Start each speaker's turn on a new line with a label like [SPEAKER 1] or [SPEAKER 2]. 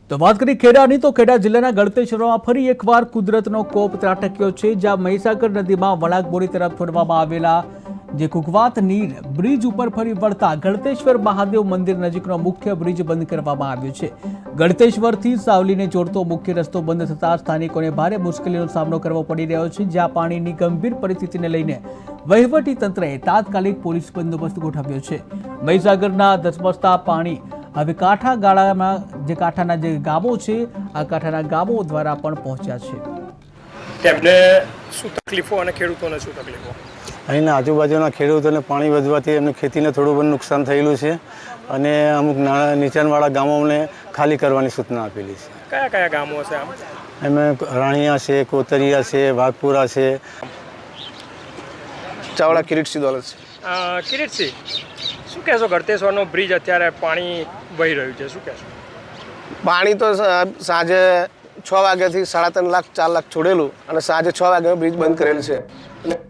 [SPEAKER 1] તો વાત કરી ખેડાની તો ખેડા જિલ્લાના ગળતેશ્વરમાં ફરી એકવાર કુદરતનો કોપ ત્રાટક્યો છે, જ્યાં મહીસાગર નદીમાં વણાકબોરી તરફ છોડવામાં આવેલા જે કુકવાત નીર બ્રિજ ઉપર ફરી વળતા ગળતેશ્વર મહાદેવ મંદિર નજીકનો મુખ્ય બ્રિજ બંધ કરવામાં આવ્યો છે। ગળતેશ્વરથી સાવલીને જોડતો મુખ્ય રસ્તો બંધ થતા સ્થાનિકોને ભારે મુશ્કેલીનો સામનો કરવો પડી રહ્યો છે, જ્યાં પાણીની ગંભીર પરિસ્થિતિને લઈને વહીવટી તંત્રએ તાત્કાલિક પોલીસ બંદોબસ્ત ગોઠવ્યો છે। મહીસાગરના ધસમસતા પાણી હવે કાંઠાના જે ગામો છે આ કાંઠાના ગામો દ્વારા પણ પહોંચ્યા છે।
[SPEAKER 2] તેમને શું તકલીફો અને ખેડૂતોને શું તકલીફો?
[SPEAKER 3] અહીંના આજુબાજુના ખેડૂતોને પાણી વધવાથી એમની ખેતીને થોડું ઘણું નુકસાન થયેલું છે અને અમુક નાના નીચાણવાળા ગામોને ખાલી કરવાની સૂચના આપેલી છે।
[SPEAKER 2] કયા કયા ગામો છે આમ?
[SPEAKER 3] એમાં રાણીયા છે, કોતરિયા છે, વાઘપુરા છે।
[SPEAKER 4] ચાવડા કિરીટસિંહ દોલત છે।
[SPEAKER 2] કિરીટસિંહ, શું કહેશો? ગળતેશ્વરનો બ્રિજ અત્યારે પાણી વહી રહ્યું છે, શું કહેશો?
[SPEAKER 4] પાણી તો સાંજે 6 વાગ્યાથી 3.5 લાખ 4 લાખ છોડેલું અને સાંજે 6 વાગ્યા બ્રિજ બંધ કરેલ છે।